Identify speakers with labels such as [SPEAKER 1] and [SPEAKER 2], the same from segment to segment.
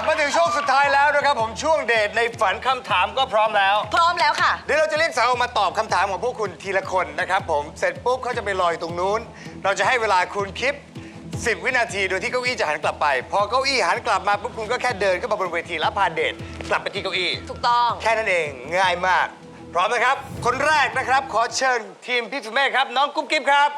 [SPEAKER 1] มาถึงช่วงสุดท้ายแล้วนะครับผมช่วงเดทในฝันคำถามก็พร้อมแล้ว
[SPEAKER 2] พร้อมแล้วค่ะ
[SPEAKER 1] เดี๋ยวเราจะเรียกสาวออกมาตอบคำถามของพวกคุณทีละคนนะครับผมเสร็จปุ๊บเขาจะไปรออยู่ตรงนู้น เราจะให้เวลาคุณคิด10 วินาทีโดยที่เก้าอี้จะหันกลับไป พอเก้าอี้หันกลับมาปุ๊บคุณก็แค่เดินเข้ามาบนเวทีแล้วพาเดทกลับไปที่เก้าอี้
[SPEAKER 2] ถูกต้อง
[SPEAKER 1] แค่นั้นเองง่ายมาก พร้อมนะครับ คนแรกนะครับ ขอเชิญทีมพี่สุเมฆครับ น้องกุ๊บกิ๊บครับ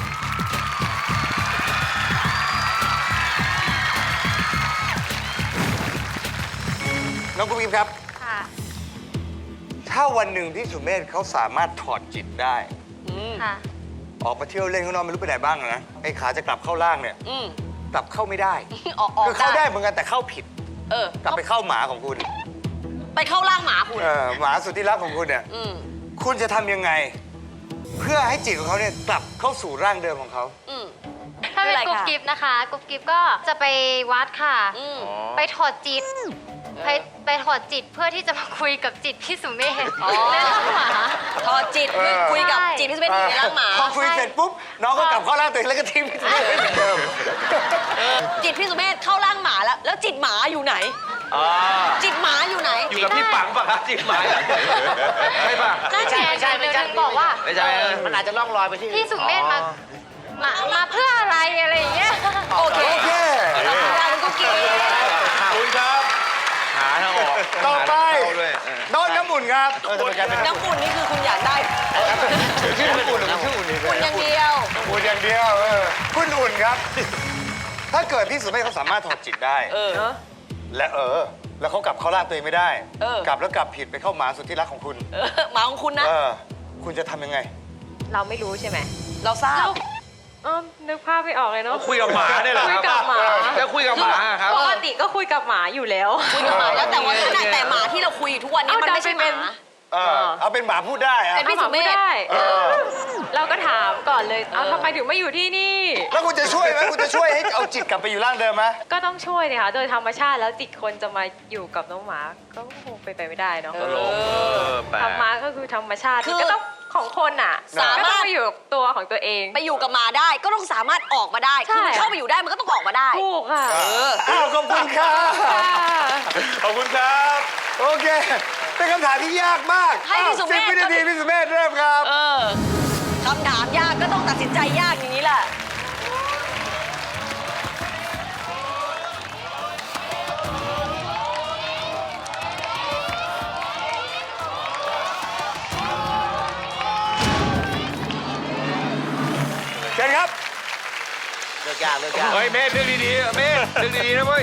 [SPEAKER 1] น้องกุ๊บกิ๊บครับ
[SPEAKER 3] ค่ะ
[SPEAKER 1] ถ้าวันหนึ่งพี่สุเมธเขาสามารถถอดจิตได้
[SPEAKER 3] ค่ะ
[SPEAKER 1] ออกมาเที่ยวเล่นข้างนอกไม่รู้ไปไหนบ้างนะไอ้ขาจะกลับเข้าล่างเนี่ย
[SPEAKER 2] อืม
[SPEAKER 1] กลับเข้าไม่ได้
[SPEAKER 2] ออก
[SPEAKER 1] คือเข้าได้เหมือนกันแต่เข้าผิด
[SPEAKER 2] เออก
[SPEAKER 1] ลับไปเข้าหมาของคุณ
[SPEAKER 2] ไปเข้าร่างหมาคุณ
[SPEAKER 1] หมาสุดที่รักของคุณเนี่ย
[SPEAKER 2] อืม
[SPEAKER 1] คุณจะทำยังไง เพื่อให้จิตของเขาเนี่ยกลับเข้าสู่ร่างเดิมของเขา
[SPEAKER 2] อืม
[SPEAKER 3] ถ้าเป็น
[SPEAKER 2] ไม่
[SPEAKER 3] ก
[SPEAKER 2] เป็นไร
[SPEAKER 3] รุ๊ป
[SPEAKER 2] ค่ะ
[SPEAKER 3] กิฟนะคะกรุ๊ปกิฟก็จะไปวัดค่ะ
[SPEAKER 2] อืม
[SPEAKER 3] ไปถอดจิต ไปถอดจิตเพื่อที่จะมาคุยกับจิตพี่สุเมธ
[SPEAKER 2] อ๋อ
[SPEAKER 3] ในร่างหมา
[SPEAKER 2] ถอดจิต คุยกับ
[SPEAKER 3] ใช่
[SPEAKER 2] จิตที่เป็นอยู่ในร่างหมา
[SPEAKER 1] พอคุยเสร็จปุ๊บน้องก็กลับเข้าร่างตัวเองแล้วก็ทิ้งพี่สุเมธไว้เหมือนเดิม
[SPEAKER 2] จิตพี่สุเมธเข้าร่างหมาแล้ว แล้วจิตหมาอยู่ไหน จิตหมาอยู่ไหน
[SPEAKER 4] อยู่กับพี่ปังป่ะครับจิตหมายใช่ป่ะ
[SPEAKER 3] นั่นไงเดี๋ยวถึงบอกว่า
[SPEAKER 4] ไม่ใช่มันอาจจะล่องลอยไปที่
[SPEAKER 3] พี่สุเมธมาเพื่ออะไรอะไรอย่างเงี้ย
[SPEAKER 2] โอเค
[SPEAKER 1] โอเค
[SPEAKER 2] ขอบคุณค่ะคุณกุ๊กกิ๊บ
[SPEAKER 4] คุยครับ หาทางออก
[SPEAKER 1] ต่อไป
[SPEAKER 4] ด้วย
[SPEAKER 1] น้องน้ำอุ่นครับ
[SPEAKER 2] น้ำอุ่นนี่คือคุณอยากได้
[SPEAKER 1] ชื่อน้ำอุ่นหรือชื่ออุ่นดี
[SPEAKER 2] คุณอย่างเดียว
[SPEAKER 1] อุ่นอย่างเดียวคุณอุ่นครับ ถ้าเกิดพี่สุเมธเขาสามารถถอดจิตได้ แล้วเขากลับเข้าร่างตัวเองไม่ได้ กลับแล้วกลับผิดไปเข้าหมาสุดที่รักของคุณ
[SPEAKER 2] หมาของคุณนะ
[SPEAKER 1] คุณจะทำยังไง
[SPEAKER 3] เราไม่รู้ใช่ไหม
[SPEAKER 2] เราทราบ
[SPEAKER 3] นึกภาพไม่ออกเลยเนาะ
[SPEAKER 4] คุยกับหมาเนี่ยเหรอ
[SPEAKER 3] คุยกับหมา
[SPEAKER 4] จะคุยกับหมาครับ
[SPEAKER 3] ปกติก็คุยกับหมาอยู่แล้ว
[SPEAKER 2] คุยกับหมาแล้วแต่ว่าขนาดแต่หมาที่เราคุยอยู่ทุกวันนี้มันไม่ใช่หมา
[SPEAKER 1] เอาเป็นหมาพูดได้อะ
[SPEAKER 2] เป็นพี่สุเมธ
[SPEAKER 3] เราก็ถามก่อนเลย เอาทำไมถึงไม่อยู่ที่นี่
[SPEAKER 1] แล้วคุณจะช่วยไหมคุณจะช่วยให้เอาจิตกลับไปอยู่ร่างเดิมไหม
[SPEAKER 3] ก็ต้องช่วยเนี่ยค่ะ โดยธรรมชาติแล้วจิตคนจะมาอยู่กับน้องหมา ก็คงเป็นไปไม่ได้เนาะ
[SPEAKER 4] แปลก
[SPEAKER 3] ธรรมะก็คือธรรมชาติ
[SPEAKER 2] คือ
[SPEAKER 3] ก็ต้องของคนอ่ะ
[SPEAKER 2] สามารถ
[SPEAKER 3] ก็ต้องไปอยู่กับตัวของตัวเอง
[SPEAKER 2] ไปอยู่กับหมาได้ก็ต้องสามารถออกมาได้
[SPEAKER 3] ใช่
[SPEAKER 2] คือมันเข้าไปอยู่ได้มันก็ต้องออกมาได้
[SPEAKER 3] ถูกค่ะ
[SPEAKER 1] ขอบคุณครับ
[SPEAKER 4] ขอบคุณครับ
[SPEAKER 1] โอเค เป็นคำถามที่ยากมาก
[SPEAKER 2] ให้พี่สุเมธ
[SPEAKER 1] 10 วินาทีพี่สุเมธเริ่มครับ
[SPEAKER 2] คำถามยากก็ต้องตัดสินใจยากอย่างนี้แหละ
[SPEAKER 1] เชิญครับ
[SPEAKER 4] เลิกยากเฮ้ยเมธเรื่องดีๆเมธเรื่องดีๆนะเว้ย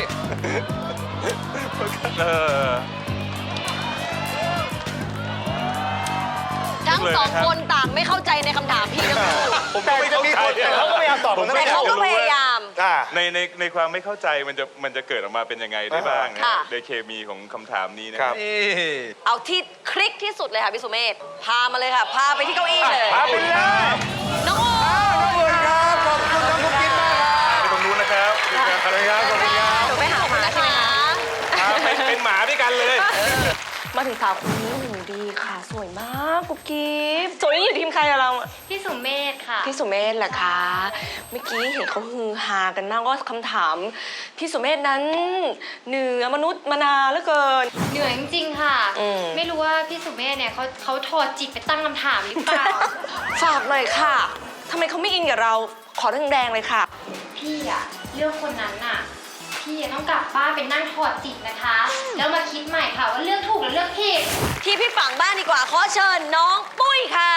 [SPEAKER 2] ทั้งสองคนต่างไม่เข้าใจในคำถามพี่ทั้งคู่
[SPEAKER 1] แต่จะมีคนแต่เขาก็พยายามตอบผม
[SPEAKER 2] แต่เขาก็พยายาม
[SPEAKER 5] ในความไม่เข้าใจมันจะเกิดออกมาเป็นยังไงได้บ้างนะ
[SPEAKER 2] ค่ะ
[SPEAKER 5] โดยเคมีของคำถามนี้นะ
[SPEAKER 1] ค
[SPEAKER 5] ค
[SPEAKER 1] รั
[SPEAKER 5] รับ บ
[SPEAKER 2] เอาที่คลิกที่สุดเลยค่ะพี่สุเมธพามาเลยค่ะ พาไปที่เก้าอี้เลย
[SPEAKER 1] พาไปเลย
[SPEAKER 2] น้องโอ
[SPEAKER 1] ขอบคุณครับ ขอบคุณน้องกุ๊กกิ๊บมากครับ
[SPEAKER 5] ไปตรงนู้นนะครับ
[SPEAKER 1] ขอบคุณครับ ขอบคุณครับ
[SPEAKER 2] หนูไปหาหมาใช่ไหมคะ
[SPEAKER 5] เป็นหมาด้วยกันเลย
[SPEAKER 2] มาถึงสาวคนนี้หูดีค่ะ สวยมากกุ๊บกิ๊บสวยนี่อยู่ทีมใครอะเรา
[SPEAKER 3] พี่สุเมธค่ะ
[SPEAKER 2] พี่สุเมธแหละคะเมื่อกี้เห็นเขาฮือฮากันมากว่าคำถามพี่สุเมธนั้นเหนือมนุษย์มนาเหลือเกิน
[SPEAKER 3] เหนื่อยจริงๆค่ะ
[SPEAKER 2] อืม
[SPEAKER 3] ไม่รู้ว่าพี่สุเมธเนี่ยเขาถอดจิตไปตั้งคำถามหรือเปล่า
[SPEAKER 2] ฝากหน่อยค่ะทำไมเขาไม่อินกับเราขอแรงๆเลยค่ะ
[SPEAKER 3] พี่อะเลือกคนนั้นน่ะ พี่อะต้องกลับบ้านไปนั่งถอดจิตนะคะ แล้วมาคิดใหม่ค่ะว่าเลือกถูกหรือเลือกผิด
[SPEAKER 2] ที่พี่ฝั่งบ้านดีกว่าขอเชิญน้องปุ้ยค่ะ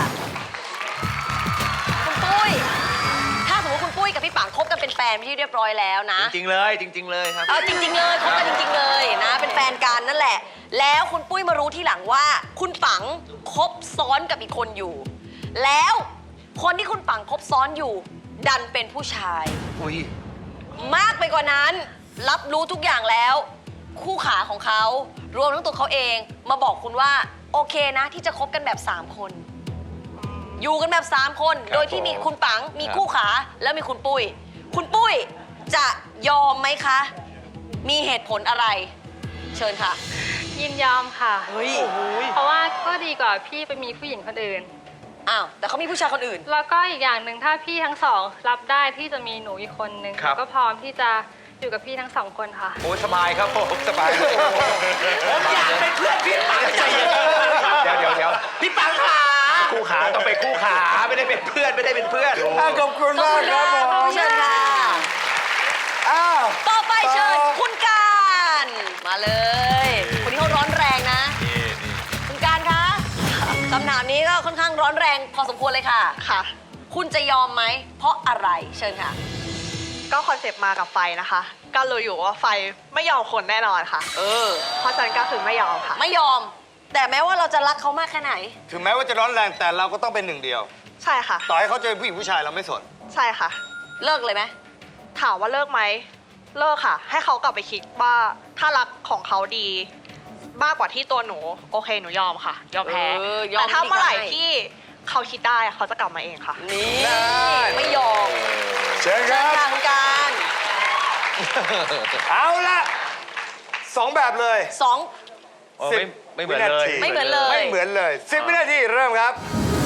[SPEAKER 2] คุณปุ้ยถ้าสมมติคุณปุ้ยกับพี่ปังคบกันเป็นแฟนไปนที่เรียบร้อยแล้วนะ
[SPEAKER 4] จริงๆเลยจริงๆเลยครับ
[SPEAKER 2] เอาจริง ๆ เลยคบกันจริง ๆ เลยนะเป็นแฟนกันนั่นแหละ แล้วคุณปุ้ยมารู้ทีหลังว่า คุณปังคบซ้อนกับอีกคนอยู่ แล้วคนที่คุณปังคบซ้อนอยู่ ดันเป็นผู้ชาย
[SPEAKER 4] อุ้ย
[SPEAKER 2] มากไปกว่านั้น รับรู้ทุกอย่างแล้ว คู่ขาของเขารวมทั้งตัวเขาเองมาบอกคุณว่าโอเคนะที่จะคบกันแบบ 3 คน อยู่กันแบบ 3 คน โดยที่มีคุณปังมีคู่ขาแล้วมีคุณปุ้ย คุณปุ้ยจะยอมไหมคะ มีเหตุผลอะไร เชิญค่ะ
[SPEAKER 3] ยินยอมค่ะ
[SPEAKER 2] เฮ้ย
[SPEAKER 3] เพราะว่าก็ดีกว่าพี่ไปมีผู้หญิงคนอื่น
[SPEAKER 2] อ้าวแต่เขามีผู้ชายคนอื่น
[SPEAKER 3] แล้วก็อีกอย่างหนึ่งถ้าพี่ทั้งสองรับได้ที่จะมีหนูอีกคนนึง
[SPEAKER 4] ครับ
[SPEAKER 3] ก็พร้อมที่จะอยู่กับพี่ทั้งสองคนค่ะ
[SPEAKER 4] โอ้สบายครับผมสบายเลย
[SPEAKER 6] ผมอยากเป็นเพื่อนพี่ปังใจเย็น
[SPEAKER 4] เดี๋ยว
[SPEAKER 6] พี่ปังขา
[SPEAKER 4] คู่ขาต้องไปคู่ขาไม่ได้เป็นเพื่อนไม่ได้เป็นเพื่อน
[SPEAKER 1] ขอบคุณมากครับผม
[SPEAKER 2] เชิญค่ะ
[SPEAKER 1] อ้าว
[SPEAKER 2] ต่อไปเชิญคุณการมาเลย คนนี้เขาร้อนแรงนะ คุณการคะคำถามนี้ก็ค่อนข้างร้อนแรงพอสมควรเลยค่ะ
[SPEAKER 7] ค่ะ
[SPEAKER 2] คุณจะยอมไหม เพราะอะไรเชิญค่ะ
[SPEAKER 7] ก็คอนเซปต์มากับไฟนะคะ ก็รู้อยู่ว่าไฟไม่ยอมคนแน่นอนค่ะ
[SPEAKER 2] เออ
[SPEAKER 7] เพราะฉะนั้นก็คือไม่ยอมค่ะ
[SPEAKER 2] ไม่ยอม แต่แม้ว่าเราจะรักเขามากแค่ไหน
[SPEAKER 1] ถึงแม้ว่าจะร้อนแรงแต่เราก็ต้องเป็นหนึ่งเดียว
[SPEAKER 7] ใช่ค่ะ
[SPEAKER 1] ต่อให้เขาจะเป็นผู้หญิงผู้ชายเราไม่สน
[SPEAKER 7] ใช่ค่ะ
[SPEAKER 2] เลิกเลยไหม
[SPEAKER 7] ถามว่าเลิกไหม เลิกค่ะ ให้เขากลับไปคิดว่าถ้ารักของเขาดี มากกว่าที่ตัวหนู โอเคหนูยอมค่ะ ยอมแพ้
[SPEAKER 2] ยอม
[SPEAKER 7] แต่ถ้าเมื่อไหร่
[SPEAKER 2] ได้
[SPEAKER 7] ที่เขาคิดได้เขาจะกลับมาเองค่ะ
[SPEAKER 2] นี่
[SPEAKER 1] ได้
[SPEAKER 2] ไม่ยอม
[SPEAKER 1] เชิญค
[SPEAKER 2] เชิ
[SPEAKER 1] รั
[SPEAKER 2] ญ
[SPEAKER 1] บ
[SPEAKER 2] ค่ะคุณการ
[SPEAKER 1] เอาละสองแบบเลย
[SPEAKER 2] สอง
[SPEAKER 4] โอ้ไม่เหมือนเลย
[SPEAKER 1] 10
[SPEAKER 2] ไม่เหมือนเลย
[SPEAKER 1] ไม่เหมือนเลย10 วินาทีเริ่มครับ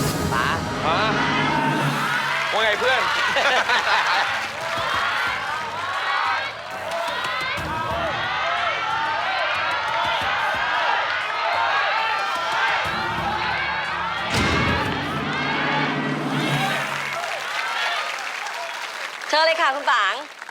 [SPEAKER 4] ว่าไงเพื่อน
[SPEAKER 2] เชิญเลยค่ะคุณต๋าง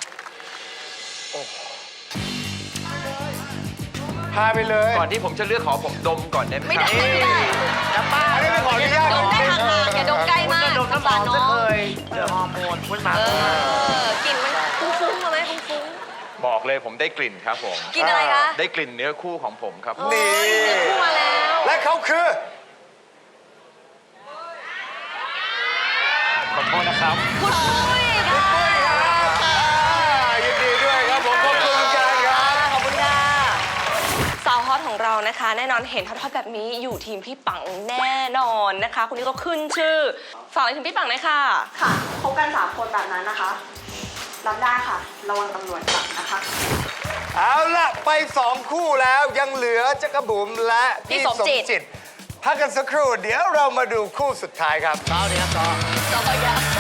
[SPEAKER 1] พาไปเลย
[SPEAKER 4] ก่อนที่ผมจะเลือกขอผมดมก่อนได้ไหม
[SPEAKER 2] ไม่ได้ไม่ได้
[SPEAKER 6] จะบ้า
[SPEAKER 1] อันนี้เป็นขออนุญาต
[SPEAKER 2] ดมได้ห่างๆอย่าดมใกล้มาก
[SPEAKER 6] ดม
[SPEAKER 2] สง
[SPEAKER 6] น้ำห
[SPEAKER 2] สา
[SPEAKER 6] อ
[SPEAKER 2] ร
[SPEAKER 6] ม
[SPEAKER 2] น้
[SPEAKER 6] ไม่
[SPEAKER 2] อง
[SPEAKER 6] เคยเจอฮอร์โมนพุ่นมา
[SPEAKER 2] กลิ่นมันฟุ้งๆมาไหมฟุ้ง
[SPEAKER 5] บอกเลยผมได้กลิ่นครับผม
[SPEAKER 2] ๆกลิ่นอะไรคะ
[SPEAKER 5] ได้กลิ่นเนื้อคู่ของผมครับ
[SPEAKER 1] นี่
[SPEAKER 2] เนื้อคู่มาแล้ว
[SPEAKER 1] และเขาคือ
[SPEAKER 5] ขอโทษนะครับ
[SPEAKER 2] คุณปุ้ยค่ะ
[SPEAKER 1] ยินดีด้วยครับผมขอบคุณกันครับ
[SPEAKER 2] ขอบคุณค่ะ
[SPEAKER 8] สาวฮอตของเรานะคะ แน่นอนเห็นฮอตๆแบบนี้อยู่ทีมพี่ปังแน่นอนนะคะคนนี้ก็ขึ้นชื่อฝากเลยถึงพี่ปังหน่อยค่ะ
[SPEAKER 7] ค่ะคบกัน3 คนแบบนั้นนะคะ รับได้ค่ะ ระวังตำรวจจับนะคะ
[SPEAKER 1] เอาละไป2 คู่แล้วยังเหลือจักรบุ๋มและ
[SPEAKER 2] พี่
[SPEAKER 1] พี่
[SPEAKER 2] ส
[SPEAKER 1] ส
[SPEAKER 2] ม
[SPEAKER 1] ม
[SPEAKER 2] จิต
[SPEAKER 1] จิตพักกันสักครู่เดี๋ยวเรามาดูคู่สุดท้ายครับ
[SPEAKER 6] ต่อเนี่ยต่อ
[SPEAKER 2] ต่อไปแล้ว